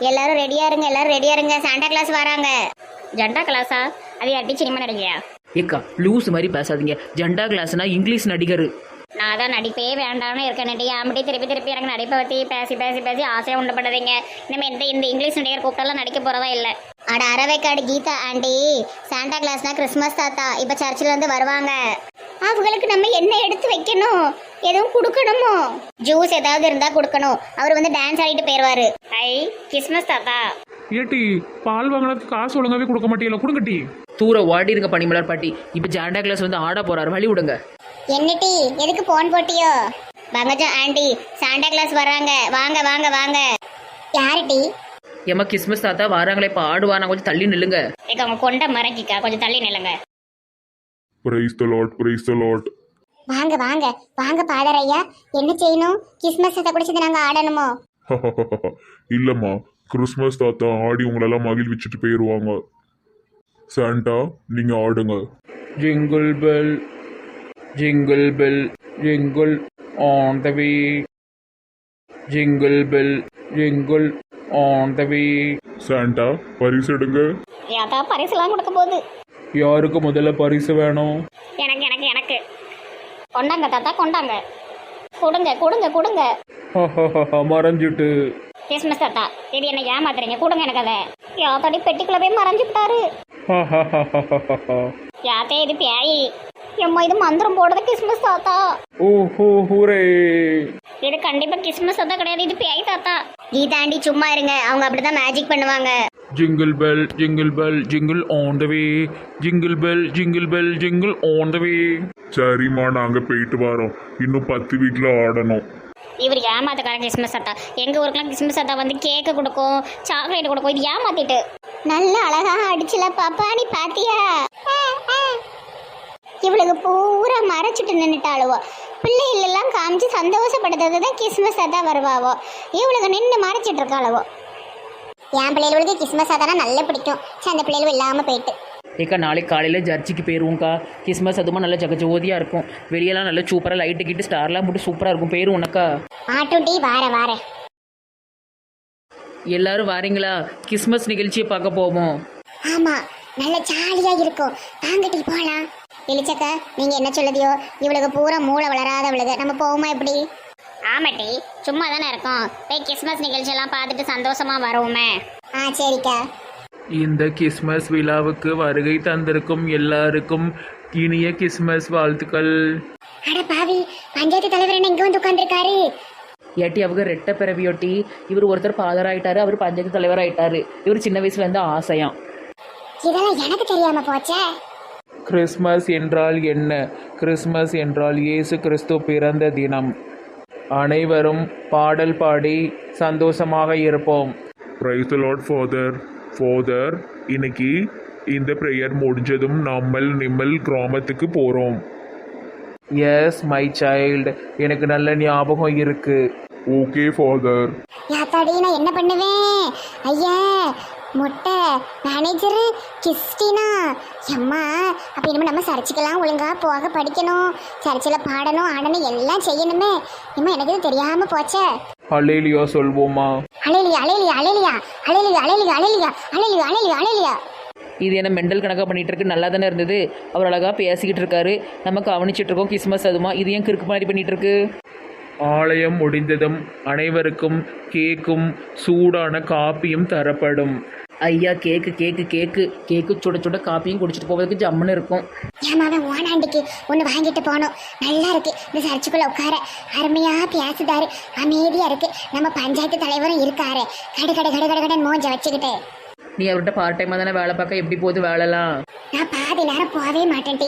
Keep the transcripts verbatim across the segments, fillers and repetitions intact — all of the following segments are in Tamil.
எல்லாரும் ரெடியா இருங்க, எல்லாரும் ரெடியா இருங்க, சாண்டா கிளாஸ் வராங்க. ஜண்டா கிளாஸா? அது யார்ட்டி சினிமா நடிகையா? ஏக்கா லூஸ் மாதிரி பேசாதீங்க. ஜண்டா கிளாஸ்னா இங்கிலீஷ் நடிகர். நான் தான் நடிப்பே வேண்டாம்னு இருக்கேன். நடி ஆம்படி திருப்பி திருப்பி எனக்கு நடிப்பை பற்றி பேசி பேசி பேசி ஆசையாக உண்டப்படாதீங்க. இனிமேல் இந்த இந்த இங்கிலீஷ் நடிகர் கூப்பிட்டாலாம் நடிக்க போகிறதா இல்லை. அட அரவைக்காடு கீதா ஆண்டி, சாண்டா கிளாஸ்னா கிறிஸ்மஸ் தாத்தா இப்போ சர்ச்சில் இருந்து வருவாங்க. அவங்களுக்கு நம்ம என்ன எடுத்து வைக்கணும்? எதுவும் கொடுக்கணுமோ? ஜூஸ் ஏதாவது இருந்தால் கொடுக்கணும். அவர் வந்து டான்ஸ் ஆடிட்டு போயிடுவாரு. ஐ கிறிஸ்மஸ் தாத்தா. ஏட்டி பால் வாங்கினதுக்கு காசு ஒழுங்காவே கொடுக்க மாட்டீங்களா? கொடுங்கட்டி. தூர ஓடி இருக்க பனிமலர் பாட்டி. இப்போ ஜாண்டா கிளாஸ் வந்து ஆட போறாரு, வழி விடுங்க. என்னட்டி எதுக்கு போன் போட்டியோ? பங்கஜம் ஆண்டி, சாண்டா கிளாஸ் வர்றாங்க, வாங்க வாங்க வாங்க. யாருட்டி? ஏமா கிறிஸ்மஸ் தாத்தா வராங்களே, இப்போ ஆடுவானா, கொஞ்சம் தள்ளி நில்லுங்க. ஏக்க அவங்க கொண்ட மறைக்கிக்கா, கொஞ்சம் தள்ளி நில்லுங்க. Praise the lord, praise the lord. வாங்க வாங்க வாங்க பாதர் ஐயா, என்ன செய்யணும்? கிறிஸ்மஸ் தாத்தா கூட சேர்ந்து நாங்க ஆடணுமோ? இல்லம்மா, கிறிஸ்மஸ் தாத்தா ஆடி உங்களெல்லாம் மகிழ்விச்சுட்டு போயிடுவாங்க. சாண்டா நீங்க ஆடுங்க. Jingle bell jingle bell jingle on the way, jingle bell jingle on the way. Santa பரிசு எடுங்க. ஏதா பரிசுலாம் கொடுக்க போகுது. யாருக்கு முதல்ல பரிசு வேணும்? எனக்கு எனக்கு எனக்கு கொண்டாங்க தாத்தா, கொண்டாங்க, கொடுங்க கொடுங்க கொடுங்க. மறைஞ்சிட்டு. கிறிஸ்மஸ் தாத்தா இது என்ன ஏமாத்துறீங்க? கொடுங்க எனக்கு அதை. யாத்தாடி பெட்டிக்குள்ள போய் மறைஞ்சு விட்டாரு. யாத்தே இது பேயி. எம்மா இது மந்திரம் போடுறது கிறிஸ்மஸ் தாத்தா. ஓஹோ ஹூரே. இது கண்டிப்பா கிறிஸ்மஸ் தாத்தா கிடையாது, இது பேய் தாத்தா. கீதாண்டி சும்மா இருங்க, அவங்க அப்படிதான் மேஜிக் பண்ணுவாங்க. Jingle bell jingle bell jingle on the way, jingle bell jingle bell jingle on the way. சரிம்மா நாங்க போயிட்டு வரோம், இன்னும் பத்து வீட்டுல ஆடணும். இவர் ஏமாத்துக்காரன் கிறிஸ்மஸ் தாத்தா. எங்க ஊருக்குலாம் கிறிஸ்மஸ் தாத்தா வந்து கேக்கு கொடுக்கும், சாக்லேட் கொடுக்கும். இது ஏமாத்திட்டு நல்ல அழகா அடிச்சுல பாப்பா, நீ பாத்தியா? இவளுக்கு பூரா மறைச்சிட்டு நின்றுட்டாளுவோ. பிள்ளைகள் எல்லாம் காமிச்சு சந்தோஷப்படுத்துறது தான் கிறிஸ்மஸ் தாத்தா வருவாவோ. இவளுக்கு நின்று மறைச்சிட்டு இருக்காளவோ. என் பிள்ளைகளுக்கு கிறிஸ்மஸ் தாத்தானா நல்லா பிடிக்கும். சரி அந்த பிள்ளைகளும் இல்லாம போயிட்டு. ஏக்கா நாளைக்கு காலையில் சர்ச்சுக்கு போயிடுவோம்க்கா. கிறிஸ்மஸ் அதுமா நல்லா ஜகஜோதியாக இருக்கும். வெளியெல்லாம் நல்லா சூப்பராக லைட்டு கிட்டு ஸ்டார்லாம் போட்டு சூப்பராக இருக்கும். போயிடும் உனக்கா? ஆட்டுட்டி வார வார. எல்லாரும் வாரீங்களா? கிறிஸ்மஸ் நிகழ்ச்சியை பார்க்க போவோம். ஆமா நல்ல ஜாலியா இருக்கும், வாங்கட்டி போலாம். இளிச்சக்கா நீங்க என்ன சொல்லுதியோ? இவளுக்கு பூரா மூளை வளராதவளுக்கு நம்ம போவோமா எப்படி? ஆமாட்டி சும்மா தானே இருக்கோம், போய் கிறிஸ்மஸ் நிகழ்ச்சி எல்லாம் பார்த்துட்டு சந்தோஷமா வருவோமே. ஆ சரிக்கா. இந்த கிறிஸ்மஸ் விழாவுக்கு வருகை தந்திருக்கும் எல்லாருக்கும் இனிய கிறிஸ்மஸ் வாழ்த்துக்கள். அட பாவி, பஞ்சாயத்து தலைவர் என்ன இங்க வந்து உட்கார்ந்துருக்காரு? ஏட்டி அவங்க ரெட்ட பிறவியொட்டி இவர் ஒருத்தர் ஃபாதர் ஆயிட்டாரு, அவர் பஞ்சாயத்து தலைவர் ஆயிட்டாரு. இவர் சின்ன வயசுல இருந்து ஆசையாம். இதெல்லாம் எனக்கு தெரியாம போச்சே. கிறிஸ்மஸ் என்றால் என்ன? கிறிஸ்மஸ் என்றால் இயேசு கிறிஸ்து பிறந்த தினம். அனைவரும் பாடல் பாடி சந்தோஷமாக இருப்போம். Praise the lord father. Father இன்னைக்கு இந்த ப்ரேயர் முடிஞ்சதும் நம்மள் நிம்மல் கிராமத்துக்கு போகிறோம். எஸ் மை சைல்டு, எனக்கு நல்ல ஞாபகம் இருக்கு. Okay father. யாத்தாடி நான் என்ன பண்ணுவேன்? ஐயா முட்டை மேனேஜர் கிறிஸ்டினா எம்மா. அப்போ இனிமேல் நம்ம சர்ச்சுக்கெல்லாம் ஒழுங்கா போக படிக்கணும், சர்ச்சில் பாடணும் ஆடணும் எல்லாம் செய்யணுமே. இம்மா எனக்கு இது தெரியாம போச்சே. ஹல்லேலூயா சொல்வோமா? அலையிலியா அலையிலியா அலையிலியா அலையிலியா அலையிலியா அலையிலியா அலையிலியா அலையிலியா அலையிலியா. இது என்ன மெண்டல் கணக்காக பண்ணிகிட்டு இருக்கு? நல்லா தானே இருந்தது. அவர் அழகாக பேசிக்கிட்டு இருக்காரு, நம்ம கவனிச்சிட்டு இருக்கோம். கிறிஸ்மஸ் அதுமா இது ஏன் கிறுக்கு மாதிரி பண்ணிகிட்டு இருக்கு? ஆலயம் முடிந்ததும் அனைவருக்கும் கேக்கும் சூடான காப்பியும் தரப்படும். ஐயா கேக்கு கேக்கு கேக்கு கேக்கு சுட சுட காப்பியும் குடிச்சிட்டு போவதுக்கு ஜம்முன்னு இருக்கும். ஏமாவன் ஓனாண்டிக்கு ஒன்று வாங்கிட்டு போனோம். நல்லா இருக்கு இந்த சர்ச்சுக்குள்ள உட்கார, அருமையா பேசுதாரு, அமைதியா இருக்கு. நம்ம பஞ்சாயத்து தலைவரும் இருக்காரு, கடு கடு கடு கடு கடன் மூஞ்ச வச்சுக்கிட்டு. நீ அவர்கிட்ட பார்ட் டைமாக தானே வேலை பார்க்க, எப்படி போகுது வேலைலாம்? நான் பாதி நேரம் போகவே மாட்டேன்டி.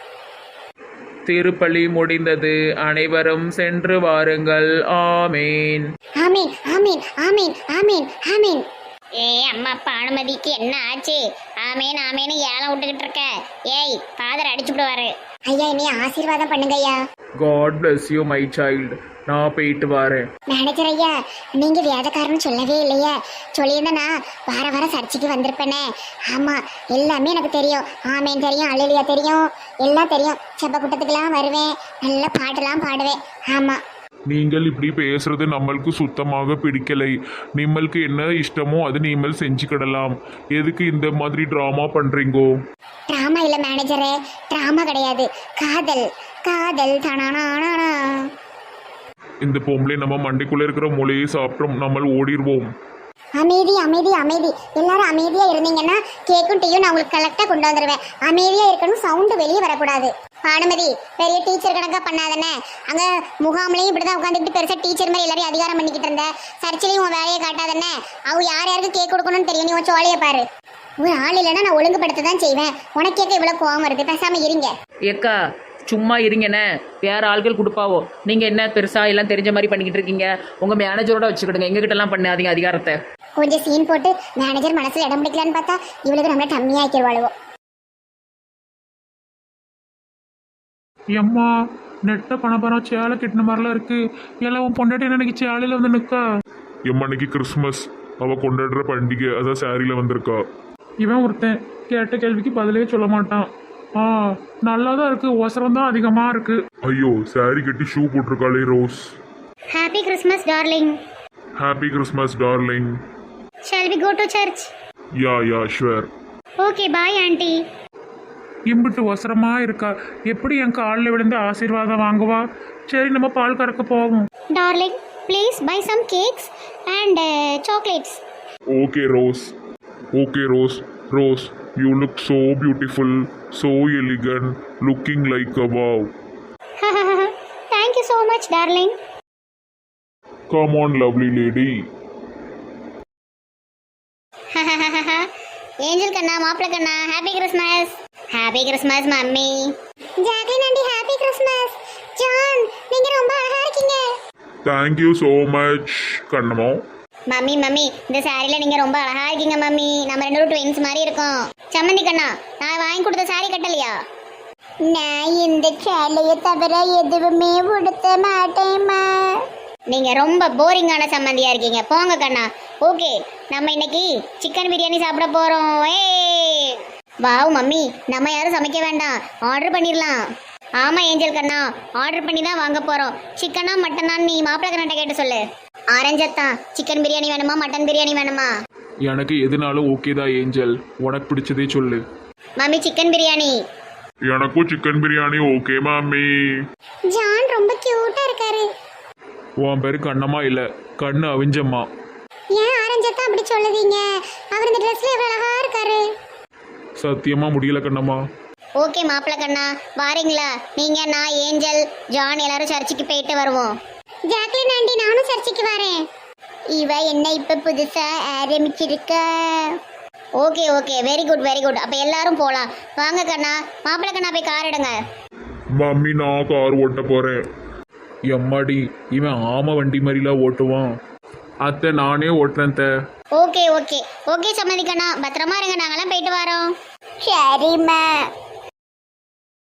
திருப்பலி முடிந்தது, அனைவரும் சென்று வாருங்கள். ஆமீன் ஆமீன் ஆமீன் ஆமீன் ஆமீன் ஆமீன். ஏ அம்மா அப்பா அனுமதிக்கு என்ன ஆச்சு? ஆமேன் ஆமேன்னு ஏலம் விட்டுக்கிட்டு இருக்க. ஏய் ஃபாதர் அடிச்சு விடுவாரு. ஐயா என்னைய ஆசீர்வாதம் பண்ணுங்க ஐயா. God bless you my child. நான் போயிட்டு வரேன். மேனேஜர் ஐயா நீங்க வேதக்காரன்னு சொல்லவே இல்லையா? சொல்லியிருந்தேன்னா வார வாரம் சர்ச்சைக்கு வந்திருப்பேனே. ஆமா எல்லாமே எனக்கு தெரியும். ஆமேன் தெரியும், அல்லேலூயா தெரியும், எல்லாம் தெரியும். செப்ப கூட்டத்துக்கெல்லாம் வருவேன், நல்ல பாட்டெல்லாம் பாடுவேன். ஆமா நீங்கள் இப்படி பேசுறது நம்மளுக்கு சுத்தமாக பிடிக்கலை. நிம்மளுக்கு என்ன இஷ்டமோ அது நீங்கள் செஞ்சுக்கிடலாம். எதுக்கு இந்த மாதிரி ட்ராமா பண்றீங்கோ? டிராமா இல்ல மேனேஜரே, டிராமா கிடையாது, காதல் காதல் தானானா. இந்த பொம்பளை நம்ம மண்டைக்குள்ள இருக்கிற மூளையை சாப்பிட்டோம், நம்ம ஓடிடுவோம். அமைதி அமைதி அமைதி, எல்லாரும் அமைதியா இருந்தீங்கன்னா கேக்கும் டீயும் நான் உங்களுக்கு கரெக்டா கொண்டு வந்துடுவேன். அமைதியா இருக்கணும், சவுண்டு வெளியே வரக்கூடாது. பானுமதி, பெரிய டீச்சர் கணக்கா பண்ணாதானே? அங்க முகாம்லயும் இப்படிதான் உட்காந்துக்கிட்டு பெருசா டீச்சர் மாதிரி எல்லாரையும் அதிகாரம் பண்ணிக்கிட்டு இருந்த. சர்ச்சிலையும் உன் வேலையை காட்டாதானே? அவங்க யார் யாருக்கு கேக் கொடுக்கணும்னு தெரியும். நீ உன் சோழைய பாரு. ஒரு ஆள் இல்லைன்னா நான் ஒழுங்குபடுத்த தான் செய்வேன். உனக்கு கேட்க இவ்வளவு கோவம் வருது, பேசாம இருங்க. ஏக்கா சும்மா இருங்கண்ணே, வேற ஆள்கள் கொடுப்பாவோ. நீங்கள் என்ன பெருசாக எல்லாம் தெரிஞ்ச மாதிரி பண்ணிக்கிட்டு இருக்கீங்க. உங்கள் மேனேஜரோட வச்சுக்கிடுங்க, எங்ககிட்டலாம் பண்ணாதீங்க அதிகாரத்தை. கொஞ்சம் சீன் போட்டு மேனேஜர் மனசுல இடம் பிடிக்கலான்னு பார்த்தா இவளுக்கு நம்மள டம்மி ஆக்கிடுவாளுவோ. எம்மா நெட்ட பணபரம் சேலை கிட்டின மாதிரிலாம் இருக்கு. எல்லாம் உன் பொண்டாட்டி எனக்கு சேலையில் வந்து நிற்கா. எம்மன்னைக்கு கிறிஸ்மஸ், அவ கொண்டாடுற பண்டிகை, அதான் சாரியில வந்திருக்கா. இவன் ஒருத்தன் கேட்ட கேள்விக்கு பதிலே சொல்ல மாட்டான். ஆ நல்லா தான் இருக்கு, ஒசரம் தான் அதிகமாக இருக்கு. ஐயோ, சாரி கட்டி ஷூ போட்டிருக்காளே Rose. Happy Christmas darling. Happy Christmas darling. Shall we go to church? Yeah yeah sure. Okay, bye aunty. இம்பிட்டு ஒசரமா இருக்கா, எப்படி என் காலில் விழுந்து ஆசீர்வாதம் வாங்குவா? சரி நம்ம பால் கறக்க போவோம். Darling, please buy some cakes and uh, chocolates. Okay Rose, okay Rose. Rose, you look so beautiful, so elegant, looking like a wow. Thank you so much, darling. Come on, lovely lady. Angel கண்ணா, மாப்பிள்ள கண்ணா, happy Christmas. Happy Christmas mummy. Jacqueline aunty, happy Christmas. John, நீங்க ரொம்ப அழகா இருக்கீங்க. Thank you so much, கண்ணம்மா. மம்மி மம்மி, இந்த சாரில நீங்க ரொம்ப அழகா இருக்கீங்க மம்மி. நம்ம ரெண்டு பேரும் ட்வின்ஸ் மாதிரி இருக்கோம். சம்மந்தி கண்ணா, நான் வாங்கி கொடுத்த சாரி கட்டலையா? நான் இந்த சேலையை தவிர எதுவுமே உடுத்த மாட்டேம்மா. நீங்க ரொம்ப போரிங்கான சம்மந்தியா இருக்கீங்க, போங்க கண்ணா. ஓகே, நம்ம இன்னைக்கு சிக்கன் பிரியாணி சாப்பிட போறோம். ஏய் வாவ் மம்மி, நம்ம யாரும் சமைக்க வேண்டாம், ஆர்டர் பண்ணிடலாம். ஆமா ஏஞ்சல் கண்ணா, ஆர்டர் பண்ணி தான் வாங்க போறோம். சிக்கனா மட்டனா நீ மாப்பிள்ளை கண்ணாட்ட கேட்டு சொல்லு. ஆரஞ்சத்தான், சிக்கன் பிரியாணி வேணுமா மட்டன் பிரியாணி வேணுமா? எனக்கு எதுனாலும் ஓகே தான் ஏஞ்சல், உனக்கு பிடிச்சதே சொல்லு. Mummy chicken biryani. எனக்கும் சிக்கன் பிரியாணி ஓகே மாமி. ஜான் ரொம்ப கியூட்டா இருக்காரு. உன் பேரு கண்ணம்மா இல்லை, கண்ணு அவிஞ்சம்மா. ஏன் ஆரஞ்சத்தான் அப்படி சொல்லுதீங்க? அவர் இந்த ட்ரெஸ்ல எவ்வளவு அழகா இருக்காரு. சத்தியமா முடியல கண்ணம்மா. ஓகே மாப்பிள்ள கண்ணா, வாரீங்களா? நீங்க, நான், ஏஞ்சல், ஜான் எல்லாரும் சர்ச்சுக்கு போயிட்டு வருவோம். ஜாக்லின் ஆண்டி, நானும் சர்ச்சுக்கு வரேன். இவ என்ன இப்ப புதுசா ஆரம்பிச்சிருக்க. Okay okay, very good very good. அப்ப எல்லாரும் போலாம். வாங்க கண்ணா, மாப்பிள்ள கண்ணா போய் கார் எடுங்க. மம்மி, நான் கார் ஓட்ட போறேன். எம்மாடி, இவன் ஆம வண்டி மாதிரிலாம் ஓட்டுவான். அத்தை நானே ஓட்டுறேன் த. ஓகே ஓகே ஓகே சம்மதி கண்ணா, பத்திரமா இருங்க, நாங்கெல்லாம் போயிட்டு வரோம். சரிம்மா.